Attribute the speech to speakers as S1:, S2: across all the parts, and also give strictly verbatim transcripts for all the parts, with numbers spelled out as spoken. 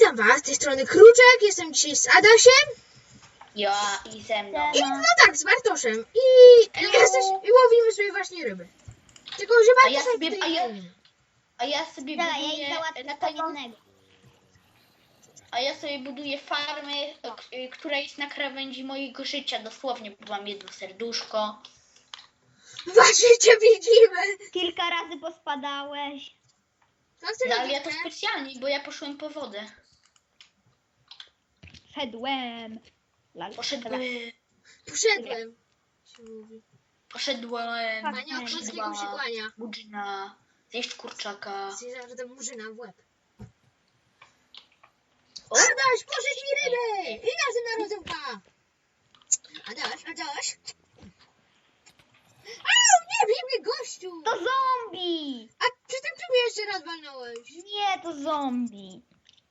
S1: Witam was, z tej strony Kruczek, jestem dzisiaj z Adasiem.
S2: Ja i ze mną.
S1: I no tak, z Bartoszem. I, i, jesteś, i łowimy sobie właśnie ryby. Tylko, że
S2: A ja
S1: Bartosz
S2: sobie,
S1: tutaj
S2: a ja,
S1: nie ma.
S2: a ja sobie
S3: Dobra, ja
S2: buduję
S3: ich załatwię
S2: na
S3: co
S2: taką,
S3: innego.
S2: a ja sobie buduję farmę, k- y, która jest na krawędzi mojego życia, dosłownie, bo mam jedno serduszko.
S1: Właśnie cię widzimy.
S3: Kilka razy pospadałeś.
S1: Co ty
S2: No ale ja
S1: robisz,
S2: to
S1: nie?
S2: specjalnie, bo ja poszłem po wodę.
S3: Szedłem. Lal.
S2: Poszedłem,
S1: Poszedłem. Się mówi.
S2: poszedłem,
S1: Panie Okrzyckiego się kłania.
S2: Murzyna, zjeść kurczaka.
S1: Zjeżdżam, że to murzyna w łeb.
S2: O,
S1: Adaś, pożycz mi ryby! I następna rozrywka. Adaś, Adaś. Au, nie bij mnie, gościu!
S3: To zombie!
S1: A przy tym ty mnie jeszcze raz walnąłeś.
S3: Nie, to zombie.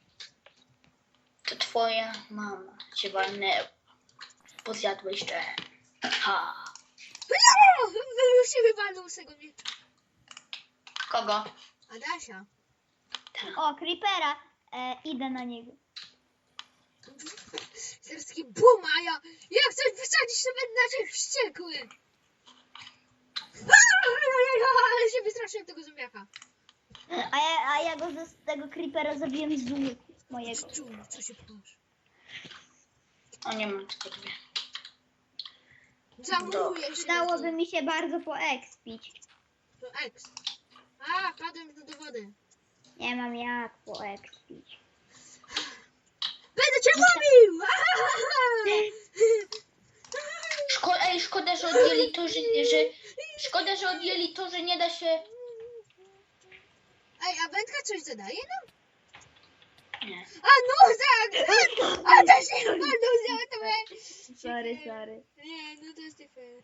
S2: to twoja mama cię walnęła. Bo zjadłeś te. Ha.
S1: No, już się wywalnął z tego miecza.
S2: Kogo?
S1: Adasia.
S3: O, creepera. E, idę na niego.
S1: Teraz taki bum, a ja jak coś wysadzić, to będę na ciebie wściekły. Ale się wystraszyłem tego zombiaka.
S3: A ja, a ja go z tego creepera zabiłem z łuku mojego.
S1: Czu, co się pchasz?
S2: O, nie mam tylko dwie.
S1: Zamuruję się.
S3: Przydałoby mi się bardzo poekspić.
S1: To eks. A, padłem do wody.
S3: Nie mam jak poekspić.
S1: Będę cię łowił!
S2: Szko Ej, szkoda, że odjęli to, że, że... Szkoda, że odjęli to, że nie da się...
S1: Ej, a wędka coś zadaje nam?
S2: Nie.
S1: A no, tak! A to się walnął za to.
S3: Sorry, sorry.
S1: Nie, no to jest nie fair.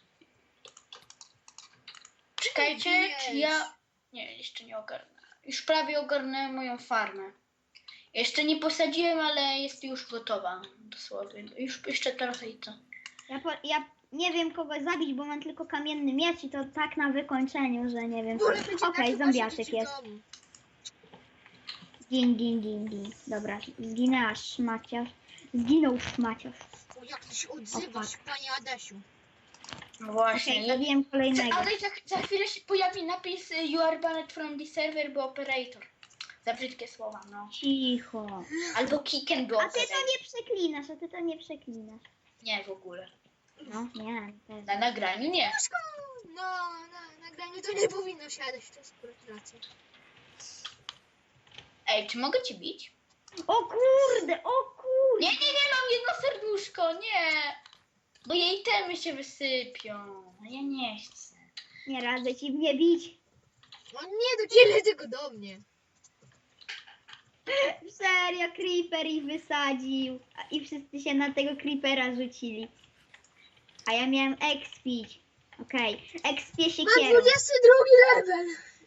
S2: Czekajcie, czy ja... Nie, jeszcze nie ogarnę. Już prawie ogarnąłem moją farmę. Jeszcze nie posadziłem, ale jest już gotowa. Dosłownie. Już jeszcze trochę i co.
S3: Ja, po, ja nie wiem kogo zabić, bo mam tylko kamienny miecz i to tak na wykończeniu, że nie wiem.
S1: Wolę
S3: Okej,
S1: będzie
S3: okay,
S1: na
S3: zombiaczek
S1: przykład
S3: jest.
S1: siedzieć w domu.
S3: Gin, gin, gin, gin. Dobra, zginę aż szmaciarz. Zginął szmaciarz.
S1: O, jak ty się odzywasz, panie Adasiu.
S2: No właśnie.
S3: Okej,
S2: ja-
S3: zabiłem kolejnego.
S2: Ale za, za chwilę się pojawi napis y, You are banned from the server, bo operator. Za brzydkie słowa, no.
S3: Cicho.
S2: Albo kick and go
S3: A ty to
S2: operator.
S3: nie przeklinasz, a ty to nie przeklinasz.
S2: Nie, w ogóle.
S3: No, nie, pewnie.
S2: Na nagraniu nie.
S1: Puszko! No, na nagraniu to nie powinno siadać, to jest akurat racja.
S2: Ej, czy mogę cię bić?
S3: O kurde, o kurde.
S2: Nie, nie, nie, mam jedno serduszko, nie. Bo jej temy się wysypią. A ja nie chcę.
S3: Nie radzę ci mnie bić.
S1: No nie do ciebie, tylko do mnie.
S3: Serio, creeper ich wysadził. A- I wszyscy się na tego creepera rzucili. A ja miałem expić. Okej, okay. Expię się
S1: Mam
S3: kierą.
S1: dwudziesty drugi level.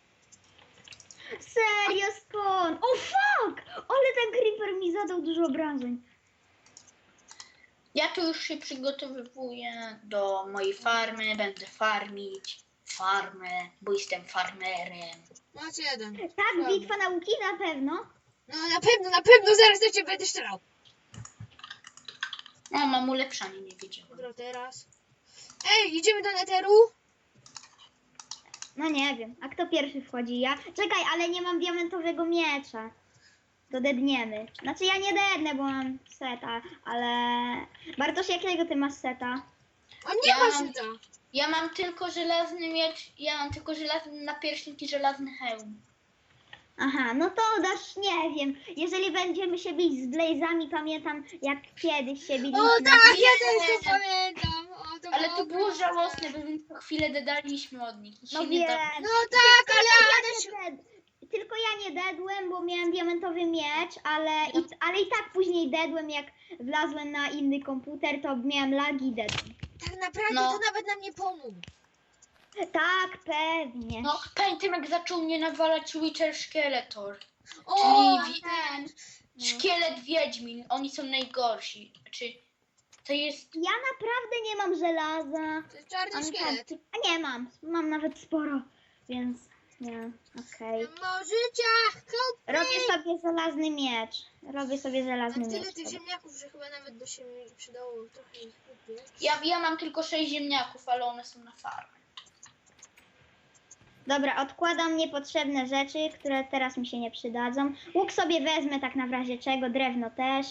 S3: Serio, skąd? O fuck! Ale ten creeper mi zadał dużo obrażeń.
S2: Ja tu już się przygotowywuję do mojej farmy. Będę farmić farmę, bo jestem farmerem.
S1: Macie jeden.
S3: Tak, bitwa nauki na pewno.
S1: No na pewno, na pewno zaraz do ciebie będę strzelał.
S2: O, mam ulepszanie, nie wiedziałam.
S1: Dobra, teraz. Ej, idziemy do neteru?
S3: No nie wiem, a kto pierwszy wchodzi? Ja? Czekaj, ale nie mam diamentowego miecza. To dedniemy. Znaczy ja nie dednę, bo mam seta, ale... Bartosz, jakiego ty masz seta?
S1: On nie
S2: Ja
S1: ma
S2: mam-
S1: szyta.
S2: Ja mam tylko żelazny miecz, ja mam tylko żelazny napierśnik i żelazny hełm.
S3: Aha, no to dasz, nie wiem. Jeżeli będziemy się bić z Blazami, pamiętam jak kiedyś się biliśmy.
S1: O tak, ja
S2: Nie.
S1: też to pamiętam. O, to
S2: Ale to było
S1: okropne.
S2: żałosne, bo my co chwilę dedaliśmy od nich. I się
S3: No
S2: nie
S3: wiem.
S2: da...
S1: No tak, ale
S3: Ja
S1: Adaś...
S3: nie ded... Tylko ja nie dedłem, bo miałem diamentowy miecz, ale i, ale i tak później dedłem, jak wlazłem na inny komputer, to miałem lagi i dedłem.
S1: Tak naprawdę
S2: No.
S1: to nawet nam nie pomógł.
S3: Tak, pewnie.
S2: No, pamiętam jak zaczął mnie nawalać Witcher Skeletor.
S1: O,
S2: Czyli wi-
S1: ten.
S3: No.
S2: Szkielet Wiedźmin, oni są najgorsi. Czy to jest...
S3: Ja naprawdę nie mam żelaza.
S1: To jest czarny
S3: Mam
S1: szkielet.
S3: karty- A nie mam, mam nawet sporo, więc Nie, okej.
S1: Możecie kupić.
S3: Robię sobie żelazny miecz. Robię sobie żelazny
S1: Mam tyle
S3: miecz.
S1: tych
S3: Dobra.
S1: ziemniaków, że chyba nawet by się mi przydało trochę ich kupić.
S2: Ja, ja mam tylko sześć ziemniaków, ale one są na farmie.
S3: Dobra, odkładam niepotrzebne rzeczy, które teraz mi się nie przydadzą. Łuk sobie wezmę tak na w razie czego, drewno też.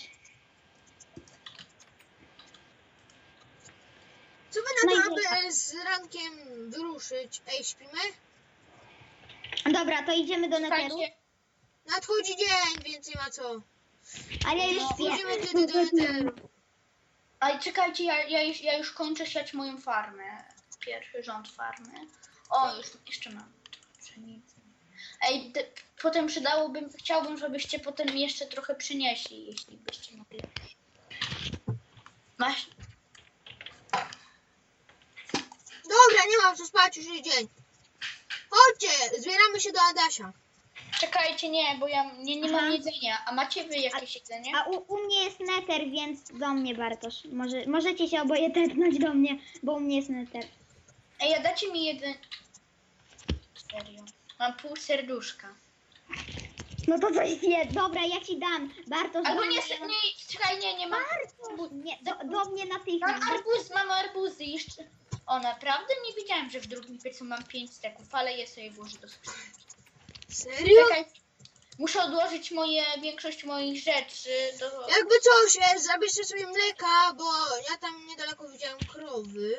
S1: Co wy
S3: No
S1: na
S3: i
S1: to,
S3: tak.
S1: aby z rankiem wyruszyć? Ej, śpimy?
S3: Dobra, to idziemy do neteru.
S2: Słuchajcie,
S1: Nadchodzi dzień, więc nie ma co.
S3: A ja już
S2: No,
S3: śpię.
S1: Wchodzimy wtedy do neteru.
S2: ale czekajcie, ja, ja, już, ja już kończę siać moją farmę. Pierwszy rząd farmy. O, już jeszcze mam trochę pszenicy. Ej, te, potem przydałoby, chciałbym, żebyście potem mi jeszcze trochę przynieśli, jeśli byście mogli. Masz?
S1: Dobra, nie mam co spać, już jest dzień. Chodźcie, zbieramy się do Adasia.
S2: Czekajcie, nie, bo ja nie, nie mam
S3: Aha.
S2: jedzenia. A macie wy jakieś jedzenie?
S3: A u, u mnie jest neter, więc do mnie Bartosz. Może, możecie się oboje tepnąć do mnie, bo u mnie jest neter.
S2: Ej, a dacie mi jeden... Serio. Mam pół serduszka.
S3: No to coś zje. Dobra, ja ci dam. Bartosz,
S2: Albo
S3: do
S2: nie,
S3: mnie.
S2: nie, czekaj, nie, nie mam.
S3: Bartosz, nie, do, do mnie
S2: Mam
S3: natychmiast.
S2: arbuz, mam arbuzy jeszcze. O, naprawdę nie wiedziałem, że w drugim piecu mam pięć steków, ale je sobie włożę do skrzynki.
S1: Serio?
S2: Czekaj, muszę odłożyć moje, większość moich rzeczy do...
S1: Jakby coś, e, zabierzcie sobie mleka, bo ja tam niedaleko widziałem krowy.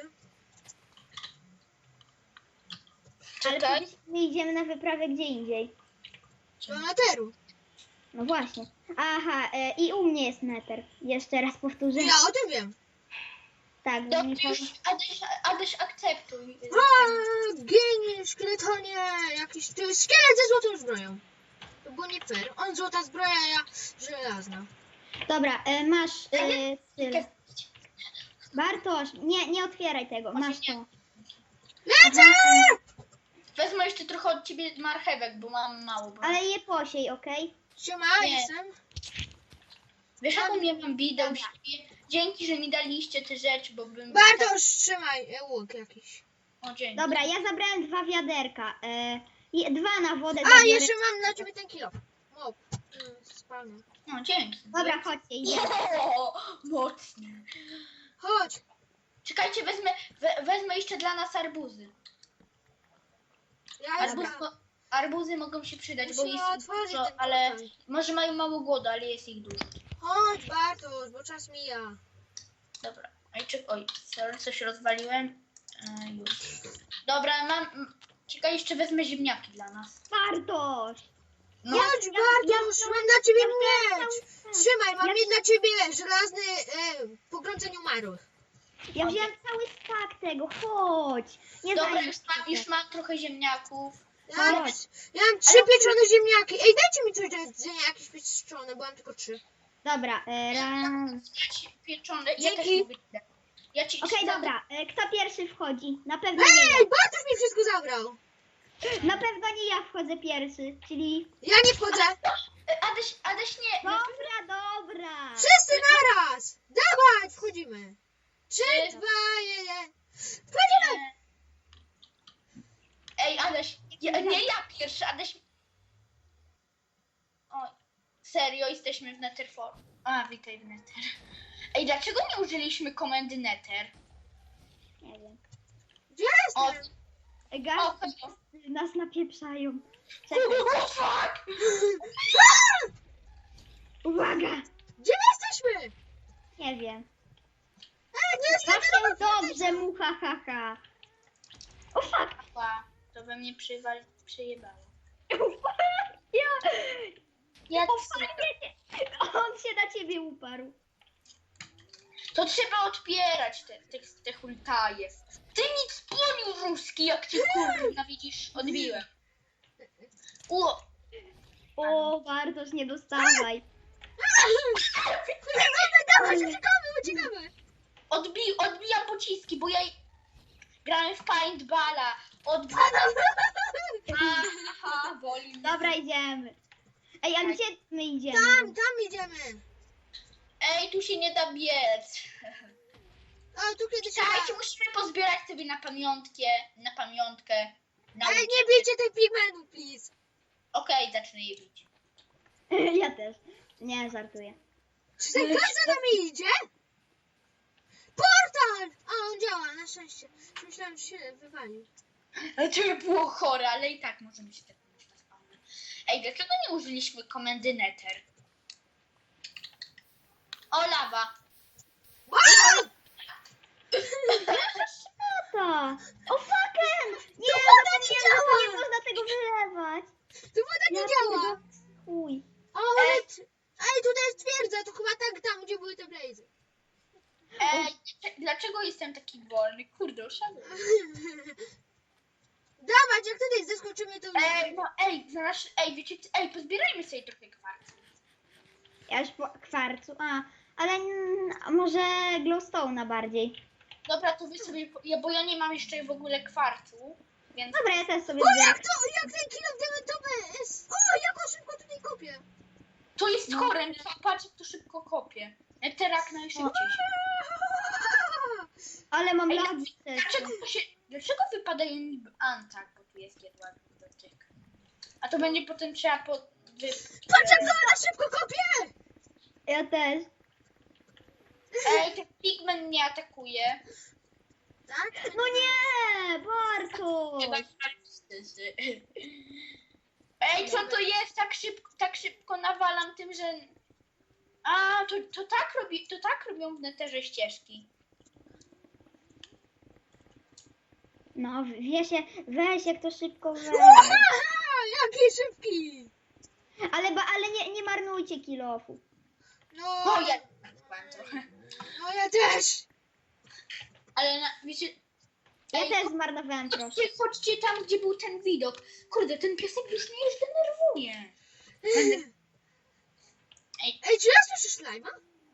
S3: Ale
S2: Czekaj.
S3: przecież my idziemy na wyprawę gdzie indziej.
S1: Do neteru.
S3: No właśnie. Aha, e, i u mnie jest neter. Jeszcze raz powtórzę.
S1: Ja o tym wiem.
S3: Tak, bo
S2: Dobrze,
S3: mi
S2: już Adaś, Adaś akceptuj.
S1: A, genie, szkieletonie, jakiś... To jest szkielet ze złotą zbroją. To było nie fair. On złota zbroja, ja żelazna.
S3: Dobra, e, masz e,
S2: nie-
S3: tyle. Bartosz, nie, nie otwieraj tego.
S2: Może
S3: Masz
S2: nie.
S3: to.
S1: Lecę!
S2: Wezmę jeszcze trochę od ciebie marchewek, bo mam mało. Bo...
S3: Ale je posiej, okej?
S1: Siema,
S2: Nie.
S1: jestem.
S2: Wiesz, jaką ja mam bidę u siebie? Dzięki, że mi daliście te rzeczy, bo bym...
S1: Bartosz, trzymaj e, łuk jakiś.
S2: O, dzięki.
S3: Dobra, ja zabrałem dwa wiaderka. E, i dwa na wodę
S1: A,
S3: zabiorę.
S1: jeszcze mam dla ciebie ten kilo. O, mm, spalmy.
S2: No, dzięki.
S3: Dobra, chodźcie, idziemy.
S2: O, mocnie.
S1: Chodź.
S2: Czekajcie, wezmę, we, wezmę jeszcze dla nas arbuzy.
S1: Ja
S2: Arbuz,
S1: jestem.
S2: mo, arbuzy mogą się przydać, bo
S1: Musimy
S2: jest ich
S1: otworzyć
S2: dużo,
S1: ten
S2: ale
S1: portal.
S2: może mają mało głodu, ale jest ich dużo.
S1: Chodź, Bartosz, bo czas mija.
S2: Dobra. Oj, czy, oj sorry, coś rozwaliłem. E, już. Dobra, mam... m, Czekaj, jeszcze wezmę ziemniaki dla nas.
S3: Bartosz!
S2: No,
S1: Chodź,
S3: ja-
S1: Bartosz,
S3: ja-
S1: mam dla ciebie
S3: ja
S1: miecz.
S3: wziąłem
S1: Trzymaj, mam
S3: Ja-
S1: mieć dla ciebie żelazny e, pogrącenie umarłych.
S3: Ja wziąłem cały stak tego, chodź! Nie
S2: dobra,
S3: zajmę
S2: już
S3: się
S2: mam, już mam trochę ziemniaków.
S1: Ja, mam-
S3: Chodź.
S1: ja mam trzy pieczone ziemniaki. Ej, dajcie mi coś do jedzenia, jakieś pieczone, bo mam tylko trzy.
S3: Dobra, e, raz.
S2: Znaczy, pieczone. Ja też
S1: Dzięki.
S2: mówię. Ja ci
S3: Okej,
S2: ci-
S3: dobra, e, kto pierwszy wchodzi? Na pewno nie ja.
S1: Ej, Bartosz mi wszystko zabrał.
S3: Na pewno nie ja wchodzę pierwszy, czyli...
S1: Ja nie wchodzę.
S2: E, Adaś, Adaś nie. na pewno-
S3: Dobra, dobra!
S1: Wszyscy naraz. Dawaj, wchodzimy. Trzy, dwa, jeden. Wchodzimy.
S2: Ej, Adaś, ja, nie ja pierwszy, Adaś... O, serio, jesteśmy w Netherfor. A, witaj w Nether. Ej, dlaczego nie użyliśmy komendy Nether?
S3: Nie wiem.
S1: Gdzie
S2: O,
S1: jestem?
S3: E,
S2: o,
S3: Gaz,
S2: o,
S3: nas napieprzają. Czekaj,
S2: o, fuck!
S3: uwaga!
S1: Gdzie my jesteśmy?
S3: Nie wiem.
S1: Ej, nie jestem.
S3: Zawsze dobrze, mucha, ha, ha. O fuck!
S2: Ła, to we mnie przywali, przyjebało.
S3: Ja...
S2: Jak
S3: O fajnie! On się na ciebie uparł.
S2: To trzeba odpierać te, te, te hultaje. Ty nic płoniu ruski, jak cię kurna widzisz, odbiłem. O,
S3: O, Bartosz, nie dostawaj.
S1: Uciekamy, dawaj, uciekamy, uciekamy.
S2: odbi, odbijam pociski, bo ja grałem w paintballa. Odbijam. Aha, boli mnie.
S3: Dobra, idziemy. Ej, a
S2: Tak.
S3: gdzie my idziemy?
S1: Tam, tam idziemy.
S2: Ej, tu się nie da biec.
S1: A tu kiedyś...
S2: Czekajcie, musimy pozbierać sobie na pamiątkę, na pamiątkę.
S1: Ej, nie bijcie tych pigmenów, please.
S2: Okej, zacznę je bić.
S3: Ja też. Nie, żartuję.
S1: Czy ten gaz za nami idzie? Portal! A, on działa, na szczęście. Myślałem, że się wywalił.
S2: Ale to by było chore, ale i tak możemy się tak mówić na spawnie. Ej, dlaczego nie użyliśmy komendy Nether? O, lawa.
S1: Wow!
S3: To! O fucking! Nie,
S1: To woda nie
S3: zapomniałam,
S1: działa!
S3: że nie można tego wylewać.
S1: Tu woda nie
S3: Ja
S1: działa!
S3: Uj.
S1: O, ale... Ej, tutaj jest twierdza, to chyba tak tam, gdzie były te blazy.
S2: Ej, dlaczego jestem taki wolny? Kurde, oszanuję.
S1: Dawać, jak tutaj zeskoczymy, to...
S2: Ej, no ej, znalazł, ej, wiecie, co- ej, pozbierajmy sobie trochę kwarcu.
S3: Ja już po kwarcu. A, ale mm, może glowstone'a bardziej.
S2: Dobra, to wy sobie, po- ja, bo ja nie mam jeszcze w ogóle kwarcu, więc...
S3: Dobra, ja też sobie
S1: O,
S3: zbieram.
S1: jak to, jak ten kilo diamentowy jest... O, jak on szybko tutaj kopie.
S2: To jest chore, patrz jak to szybko kopie. Eterak najszybciej się.
S3: Ale mam
S2: Ej,
S3: lagi
S2: Dlaczego to się, dlaczego wypadają niby antak, bo tu jest jedła dotyk. A to będzie potem trzeba po... Wy...
S1: Patrz, jak ona szybko kopie!
S3: Ja też.
S2: Ej, ten pigment mnie atakuje.
S1: Tak?
S3: No nie, Bartosz.
S2: Ej, co to jest? Tak szybko, tak szybko nawalam tym, że... A, to, to tak robi, to tak robią w neterze ścieżki.
S3: No, wie się, weź jak to szybko weź.
S1: Aha, jaki szybki!
S3: Ale, ba, ale nie, nie marnujcie kilofu.
S1: No,
S2: O, ja trochę.
S1: no ja też.
S2: Ale na, wiecie...
S3: Ja
S2: Ej,
S3: też zmarnowałem trochę.
S2: chodźcie, chodźcie tam, gdzie był ten widok. Kurde, ten piesek już mnie już denerwuje. Ej,
S1: Ej, czy ja słyszę slajma?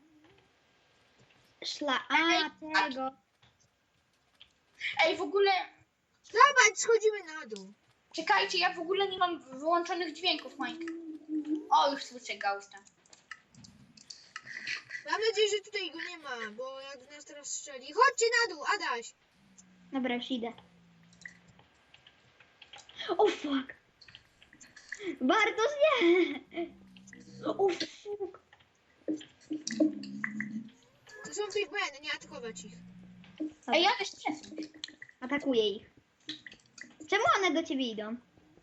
S3: Szla, a tego.
S2: ej, w ogóle...
S1: Dawaj, schodzimy na dół.
S2: Czekajcie, ja w ogóle nie mam wyłączonych dźwięków, Mike. O, już słyszę gausta.
S1: Mam nadzieję, że tutaj go nie ma, bo jak nas teraz strzeli. Chodźcie na dół, Adaś.
S3: Dobra, już idę. O fuck. Bartosz, nie. O fuck.
S1: To są pigmeny, nie atakować ich.
S2: Ej, ja też przesuń.
S3: Atakuję ich. Czemu one do ciebie idą?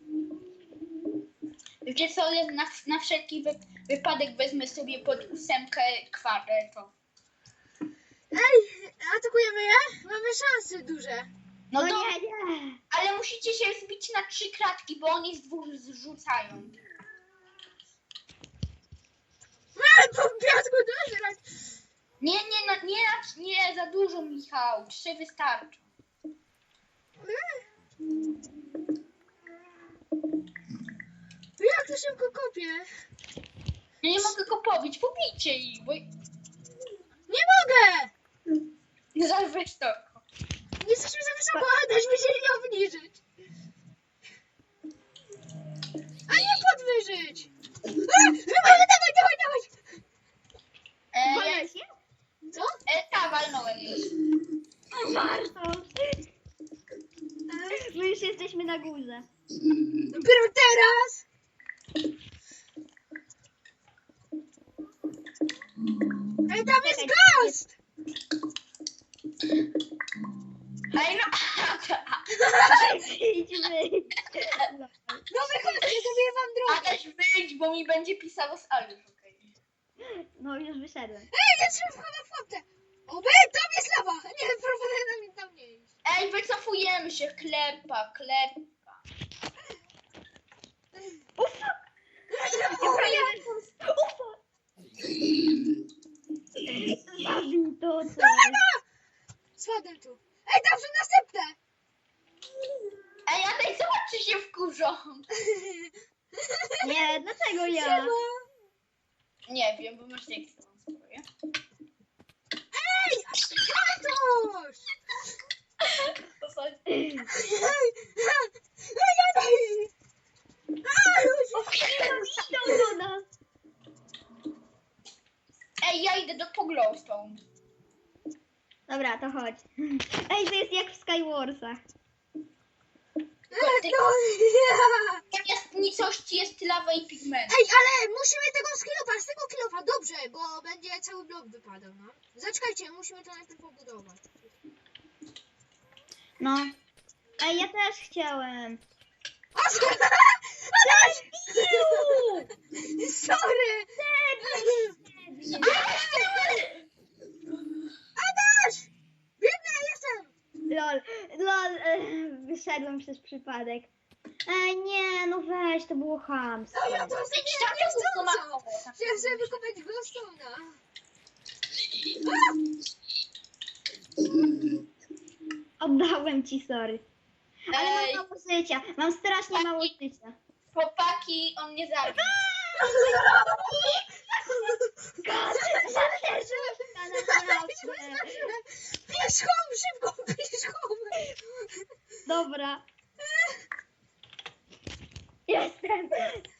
S2: Wiecie co, ja na, na wszelki wy, wypadek wezmę sobie pod ósemkę kwadratów.
S1: Ej, atakujemy je? Mamy szanse duże.
S2: No
S3: No
S2: to,
S3: nie, nie.
S2: ale musicie się zbić na trzy kratki, bo oni z dwóch zrzucają.
S1: Ale po piasku dożrać.
S2: Nie, nie, no, nie, nie, za dużo, Michał. Trzy wystarczą.
S1: Jak to szybko kopie?
S2: Ja nie mogę go pobić, pobijcie ich, bo...
S1: Nie mogę!
S2: Zaraz weź to.
S1: Jesteśmy za wysoko, Adaś, musieli nie obniżyć. A nie podwyżyć! A, dawaj, dawaj, dawaj, dawaj!
S2: E, ja,
S3: Walę się?
S1: Co?
S2: e, ta, walnąłem już.
S3: Bartosz. My już jesteśmy na górze.
S1: Dopiero teraz! Ej, tam jest ghost!
S2: Ej, no...
S3: Idźmy.
S1: No wychodźcie, zrobię wam drogę.
S2: Adaś, wyjdź, bo mi będzie pisało z Aliów, okej.
S3: No już wyszedłem.
S1: Ej, ja trzeba wchodzę w fotę. O, be, tam jest lawa! Nie, proponuję nam tam nie iść.
S2: Ej, wycofujemy się, klepa, klepa.
S3: O fuck. Ja prawie... O fuck. Zabił to coś.
S1: Spadłem tu. Ej, tam są następne!
S2: Ej, Adaś, zobacz, czy się wkurzą.
S3: Nie, dlaczego ja?
S1: Siema.
S2: Nie wiem, bo masz nie chcę wam spróbuję.
S1: Ej, Bartosz!
S2: To są...
S1: Ej, ej, ej! Ej,
S3: Idą do nas.
S2: Ej, ja idę do Poglowstone.
S3: Dobra, to chodź. Ej, to jest jak w Skywarsach.
S2: Ty-
S1: No nie!
S2: Zamiast nicości jest lawa i pigment.
S1: Ej, ale musimy tego skillofa, z tego kilofa, dobrze, bo będzie cały blok wypadał, no. Zaczekajcie, musimy to najpierw pobudować.
S3: No. Ej, ja też chciałem.
S1: Sorry! Adaś! Biegnę, jestem!
S3: Lol, lol, e, wyszedłem przez przypadek. Ej, nie, no weź, to było chamskie.
S1: No ja to sobie
S2: Idź tam do gówno ma-
S1: niechcąco. Chciałem sobie wykopać glowstone'a.
S3: Oddałem ci, sorry. Ale
S2: Ej,
S3: mam mało życia, mam strasznie mało życia.
S2: chłopaki, on mnie zabił.
S3: God, zaderzyłem na naprawdę.
S1: Pieszką, szybko, pieszką!
S3: Dobra. Jestem.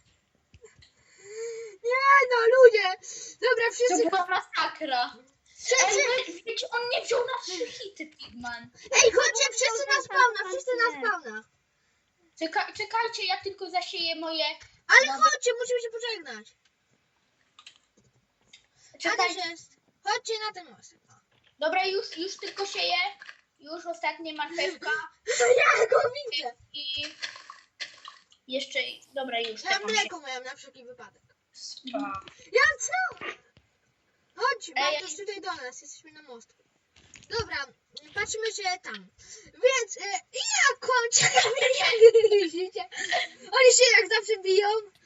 S1: Nie no, ludzie! Dobra,
S2: To
S1: wszyscy...
S2: była masakra.
S1: Wszyscy...
S2: Ej, wy- wiecie, on nie wziął na trzy hity, Pigman.
S1: Ej, chodźcie, wszyscy na spawna, wszyscy na spawna!
S2: Czeka, czekajcie, ja tylko zasieję moje...
S1: Ale
S2: Dobra.
S1: chodźcie, musimy się pożegnać. Adaś
S2: Czekajcie.
S1: jest. Chodźcie na ten most.
S2: Dobra, już, już tylko sieję. Już ostatnia marchewka.
S1: Ja go widzę!
S2: I jeszcze, dobra, już.
S1: Ja
S2: taką się-
S1: mleko miałem na wszelki wypadek.
S2: Spa.
S1: Ja co? Chodź,
S2: Ej,
S1: Bartosz, tutaj do nas, jesteśmy na mostku. Dobra, patrzymy się tam. Więc e, ja kończę. Jak widzicie, oni się jak zawsze biją.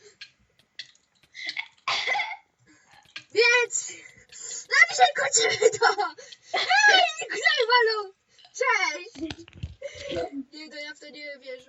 S1: Więc na dzisiaj kończymy to. Ej, nikt nie walą. Cześć. Nie, to ja w to nie wierzę.